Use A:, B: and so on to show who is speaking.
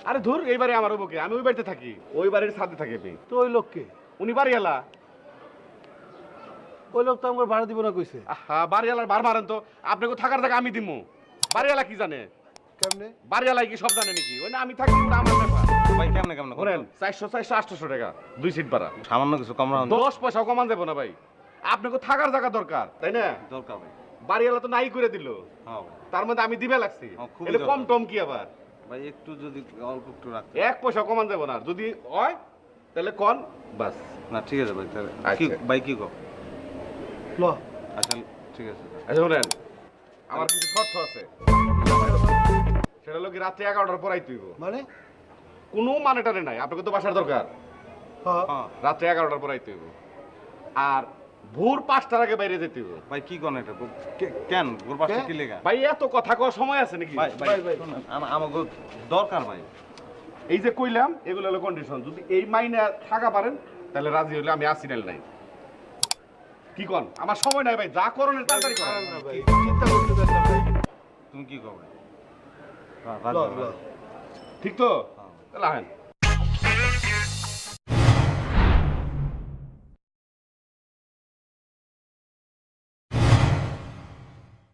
A: আরে ধুর, এই বাড়ি আমার বুকে, আমি ওই বাড়িতে থাকি, ওই বাড়ির ছাদে থাকি আমি।
B: তো ওই লোককে,
A: উনি বাড়িওয়ালা।
B: ওই লোক তো আমার ভাড়া দিব না কইছে।
A: হ্যাঁ, বাড়িওয়ালার বার মারেন তো, আপনাকে থাকার জায়গা আমি দিমু। বাড়িওয়ালা কি জানে?
B: কেমনে?
A: বাড়িওয়ালাই কি সব জানে নাকি? ওই না আমি থাকি, ওটা আমার ব্যাপার।
C: ভাই কেমনে কেমনে
A: বলেন 400 400 800 টাকা 2 সিট ভাড়া।
C: সামান্য কিছু কম রাখুন।
A: 10 পয়সাও কমান দেবো না ভাই, আপনাকে থাকার জায়গা দরকার, তাই না?
C: দরকার ভাই।
A: বাড়িওয়ালা তো নাই করে দিল,
C: হ্যাঁ ভাই।
A: তার মধ্যে আমি দিবে লাগছি।
C: খুবই
A: এটা কম
C: দরকার।
A: টম কি আবার?
C: ভাই একটু যদি অল্প একটু রাখতে।
A: 1 পয়সা কমান দেবো না, যদি হয় তাহলে কোন বাস।
C: না ঠিক আছে ভাই, তাহলে কি
A: আচ্ছা।
C: ভাই কি কো?
B: ল
C: আচ্ছা ঠিক আছে।
A: আচ্ছা শুনেন, আমার কিছু শর্ত আছে, সেটা হলো কি রাত্রে 11টার পর আইতে হইব।
B: মানে?
A: কোনো মানে টানে নাই, আপনাকে তো বাসার দরকার।
B: হ্যাঁ
C: হ্যাঁ
A: রাত্রে 11টার পর আইতে হইব, আর ভোর 5টার আগে বাইরে যেতে হইব।
C: ভাই কি কোন এটা কেন ওর পাশে কি লেখা?
A: ভাই এত কথা কওয়ার সময় আছে নাকি?
C: ভাই ভাই শুনুন, আমাকে দরকার ভাই।
A: এই যে কইলাম এগুলো হলো কন্ডিশন, যদি এই মাইনে থাকা পারেন তাহলে রাজি হইলে আমি আসি, নাইলে নাই। কি কোন? আমার সময় নাই ভাই, যা করেন তাড়াতাড়ি করেন।
B: না ভাই, চিন্তা করতে দেন না ভাই।
C: তুমি কি কো ভাই?
B: ল ল
A: ঠিক তো? তাহলে আহেন।